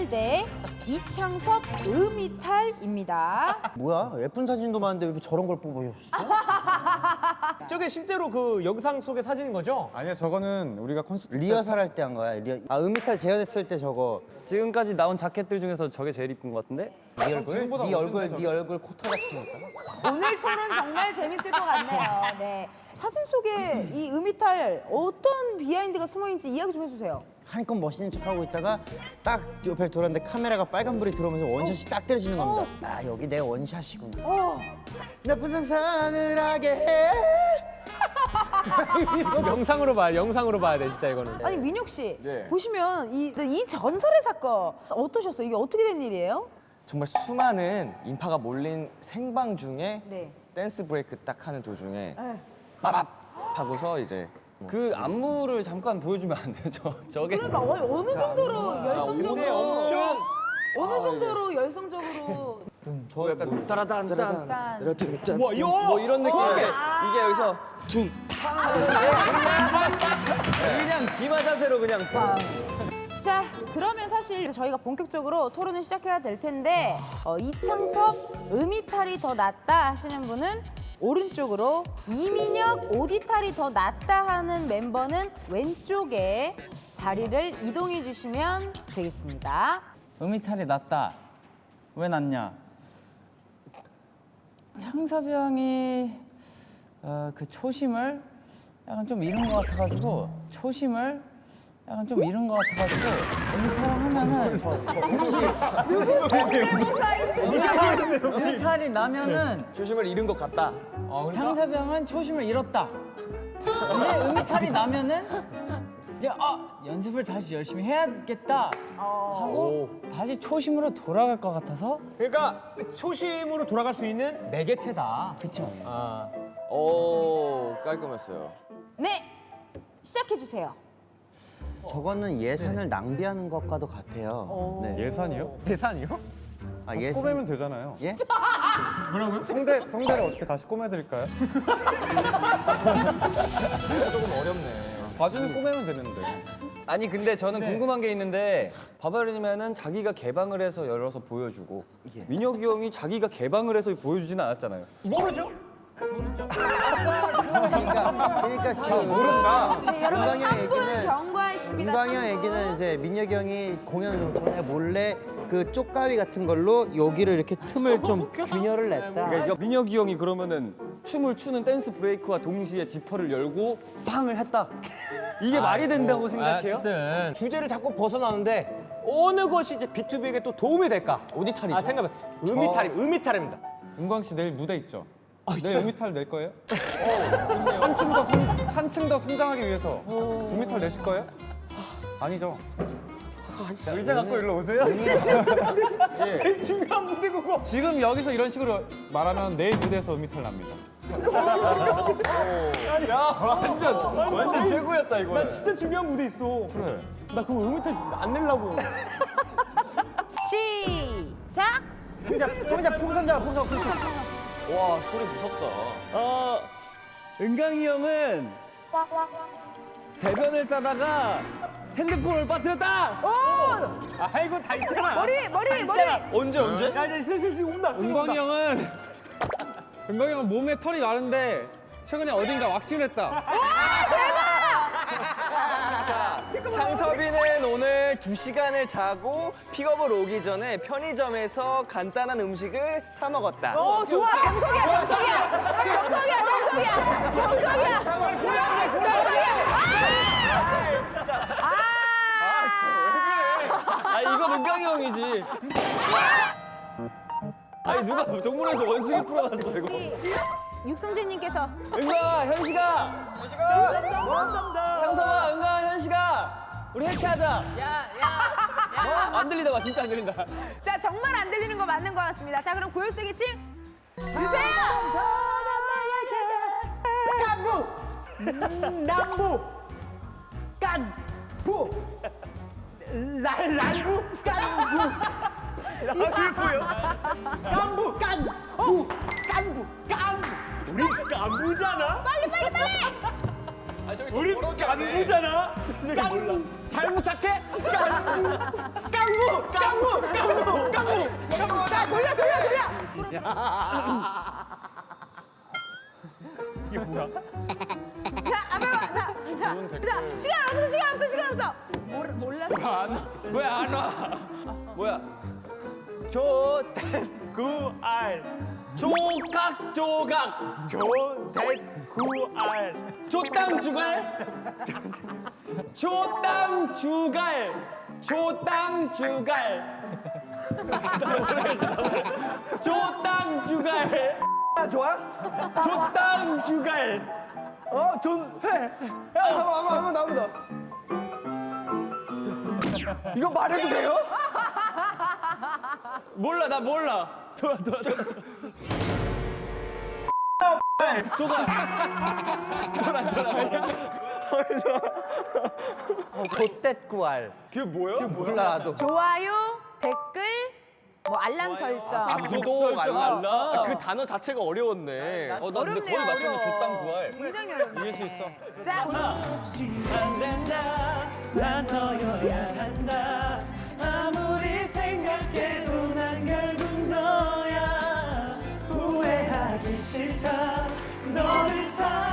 이탈 대 이창섭 음이탈입니다. 뭐야? 예쁜 사진도 많은데 왜 저런 걸 뽑으셨어? 저게 실제로 그 영상 속의 사진인 거죠? 아니요, 저거는 우리가 콘서트 리허설 할 때 한 거야. 음이탈 재연했을 때 저거. 지금까지 나온 자켓들 중에서 저게 제일 이쁜 것 같은데? 네 얼굴? 지금보다 네 얼굴, 멋있네, 네 얼굴 코털 같이 생겼다. 오늘 토론 정말 재밌을 것 같네요. 네. 사진 속에 이 음이탈 어떤 비하인드가 숨어 있는지 이야기 좀 해주세요. 한껏 멋있는 척하고 있다가 딱 옆에 돌았는데 카메라가 빨간불이 들어오면서 원샷이 딱 때려지는 겁니다. 아 여기 내 원샷이구나. 나쁜 상상을 하게 해. 영상으로 봐야 돼 진짜 이거는. 아니 민혁 씨 예. 보시면 이 전설의 사건 어떠셨어요? 이게 어떻게 된 일이에요? 정말 수많은 인파가 몰린 생방 중에 네. 댄스 브레이크 딱 하는 도중에 네. 빠밥 하고서 이제 그 안무를 잠깐 보여주면 안 돼요? 저게 그러니까 어느 정도로 열성적으로 엄청 어느 정도로 열성적으로 저 약간 따라단딴 일단 와, 이거 뭐 이런 느낌 이게 여기서 그냥 기마 자세로 그냥 빵. 자 그러면 사실 저희가 본격적으로 토론을 시작해야 될 텐데 이창섭 음이탈이 더 낫다 하시는 분은 오른쪽으로 이민혁 오디탈이 더 낫다 하는 멤버는 왼쪽에 자리를 이동해 주시면 되겠습니다. 음이탈이 낫다. 왜 낫냐? 창섭이 형이 그 초심을 약간 좀 잃은 것 같아가지고 음이탈을 하면은 음이탈이 나면은 조심을 잃은 것 같다. 창섭이 형은 초심을 잃었다. 근데 음이탈이 나면은 이제 연습을 다시 열심히 해야겠다 하고 다시 초심으로 돌아갈 것 같아서. 그러니까 초심으로 돌아갈 수 있는 매개체다. 그쵸. 오 깔끔했어요. 네 시작해 주세요. 저거는 예산을 낭비하는 것과도 같아요. 네. 예산이요? 대산이요? 아, 다시 꼬매면 되잖아요. 예? 성대를 어떻게 다시 꼬매드릴까요? 조금 어렵네. 바지는 꼬매면 되는데. 아니 근데 저는 궁금한 게 있는데 바바리님은 자기가 개방을 해서 열어서 보여주고 민혁이 형이 자기가 개방을 해서 보여주진 않았잖아요. 모르죠? 그러니까 지금 모른다. 네, 여러분 은광이 형 3분 얘기는 경과했습니다. 은광이 형 3분. 얘기는 이제 민혁이 형이 공연 전에 몰래 그 쪽가위 같은 걸로 여기를 이렇게 틈을 좀 균열을 냈다. 그러니까 민혁이 형이 그러면은 춤을 추는 댄스 브레이크와 동시에 지퍼를 열고 팡을 했다. 이게 말이 된다고 생각해요? 어쨌든 주제를 자꾸 벗어나는데 어느 것이 이제 B2B에게 또 도움이 될까? 오디탈이죠. 아 생각해. 음이탈입니다. 은광 씨 내일 무대 있죠? 내일 있어요? 음이탈 낼 거예요? 한층 더 성장하기 위해서 음이탈 내실 거예요? 아니죠. 의자 갖고 일로 오세요. 중요한 무대고 그거. 지금 여기서 이런 식으로 말하면 내일 무대에서 음이탈 납니다. 완전 최고였다 이거. 나 진짜 중요한 무대 있어. 그래. 나 그거 음이탈 안 내려고. 시작. 풍선. 와 소리 무섭다. 은강이 형은 대변을 싸다가 핸드폰을 빠뜨렸다. 아이고 다 있잖아. 머리. 언제? 야 이제 슬슬 온다. 은광이 형은 몸에 털이 많은데 최근에 어딘가 왁싱을 했다. 창섭이는 오늘 2시간을 자고 픽업을 오기 전에 편의점에서 간단한 음식을 사 먹었다. 오 좋아. 정석이야. 이건 은강이 형이지. 아니 누가 동물원에서 원숭이 풀어놨어 이거. 육승재님께서 은강아, 현식아. 창섭아, 은강아, 현식아. 우리 해체하자. 야. 안 들리다 와, 진짜 안 들린다. 자 정말 안 들리는 거 맞는 것 같습니다. 자 그럼 고요세기 침 주세요. 남부 깐부 란부 깐부 깐부 우리 깐부잖아. 빨리 우리 깐부잖아. 깐부 잘 부탁해. 깐부 자, 앞에 봐. 자, 시간 없어. 몰랐어. 왜 안 와? 뭐야? 조댓구알 조각조각 조댓구알 조땅주갈? 조땅주갈. 조땅주갈. 조땅주갈. 좋아? 조땅주갈. 야, 한번 나보다. 이거 말해도 돼요? 몰라, 나 몰라. 돌아. 좆댓구알. 그게 뭐야? 몰라 나도. 좋아요, 댓글, 뭐 알람 설정. 구독, 알람. 그 단어 자체가 어려웠네. 나 근데 어렵네요, 거의 맞췄네. 어려워. 족당 구할. 굉장히 어렵네. 이길 수 있어. 자, 안 된다 난 너여야 한다 아무리 생각해도 난 결국 너야 후회하기 싫다 너를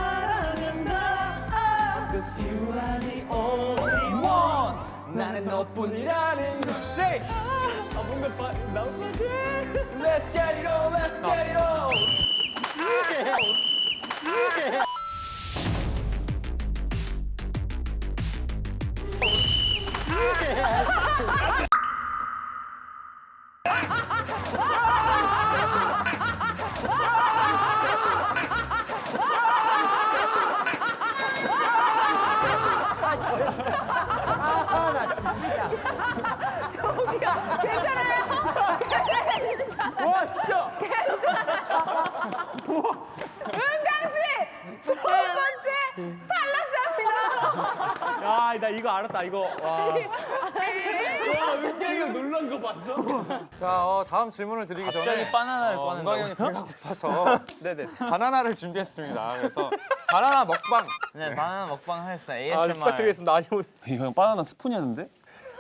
사랑한다 Cause you are the only one 나는 너뿐이라는 걸 Say 뭔가 나올 것 같아 Let's get it on Let's get it on 저기요, 괜찮아요? 와, 진짜. 은강 씨, 첫 번째 탈락자입니다. 야, 나 이거 알았다. 이거. 와. 은경이 형 놀란 거 봤어? 자, 다음 질문을 드리기 전에 갑자기 바나나를 꺼낸다고. 은광이 형이 배가 고파서 네네 바나나를 준비했습니다. 그래서 바나나 먹방. 네, 바나나 먹방 하겠습니다. ASMR. 부탁드리겠습니다. 아니, 오늘 이거 형 바나나 스푼이었는데?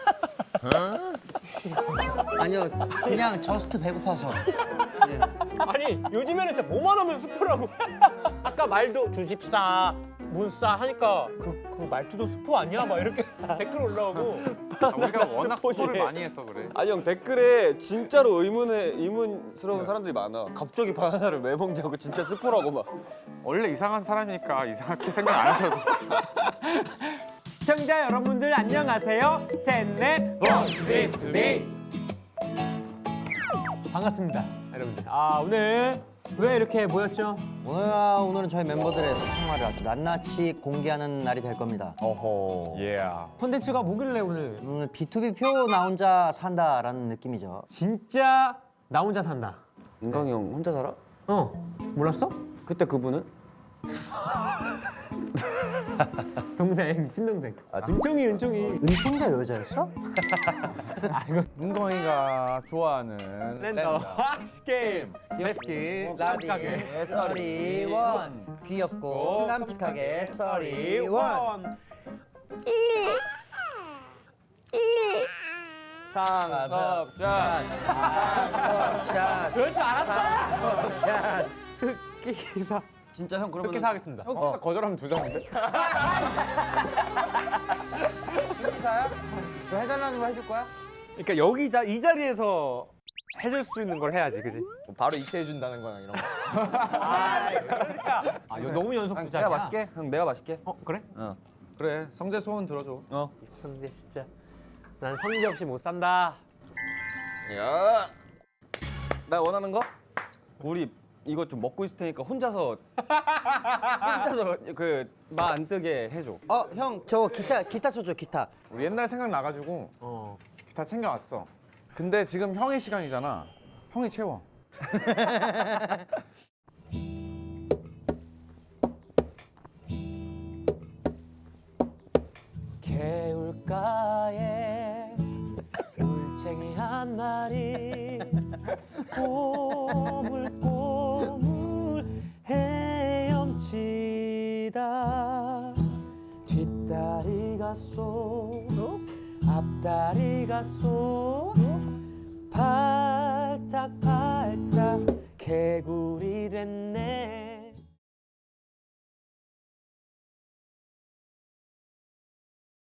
아니요, 그냥 저스트 배고파서. 아니 요즘에는 진짜 뭐만 하면 스포라고. 아까 말도 주십사, 문싸 하니까 그 말투도 스포 아니야? 막 이렇게 댓글 올라오고. 우리가 워낙 스포지. 스포를 많이 해서 그래. 아니 형 댓글에 진짜로 의문스러운 사람들이 많아. 갑자기 바나나를 왜 먹냐고 진짜 스포라고 막. 원래 이상한 사람이니까 이상하게 생각 안 하셔도. 시청자 여러분들 안녕하세요. 셋넷 반갑습니다, 여러분들. 오늘 왜 이렇게 모였죠? 오늘은 저희 멤버들의 생활을 아주 낱낱이 공개하는 날이 될 겁니다. 어허. 예. 콘텐츠가 뭐길래 오늘 오늘 B2B 표 나 혼자 산다라는 느낌이죠. 진짜 나 혼자 산다. 은광이 형 혼자 살아? 몰랐어? 그때 그분은? 동생, 친동생. 은총이. 은총이가 여자였어? 은광이가 좋아하는 랜더 게임. 예스키 라디하게 썰이원 귀엽고 깜찍하게 썰이원. 상섭샷. 샷. 그럴 줄 알았다. 샷. 흑기사. 진짜 형 그러면 흑기사 하겠습니다. 거절하면 두 장인데? 너 해달라는 거 해줄 거야? 그러니까 여기 이 자리에서 해줄 수 있는 걸 해야지, 그지? 바로 이체해 준다는 거나 이런 거. 그러니까. 이거 너무 연속 주자야. 내가 마실게. 형 내가 마실게. 그래? 그래, 성재 소원 들어줘. 성재 진짜. 난 성재 없이 못 산다. 야. 나 원하는 거? 우리 이거 좀 먹고 있을 테니까 혼자서 그 마 안 뜨게 해줘. 형 저 기타 쳐줘 기타. 우리 옛날 생각 나가지고 기타 챙겨왔어. 근데 지금 형의 시간이잖아. 형이 채워. 개울가에 울챙이 한 마리 꼬물꼬물 헤엄치다 뒷다리가 쏙 앞다리가 쏙 발딱발딱 개구리 됐네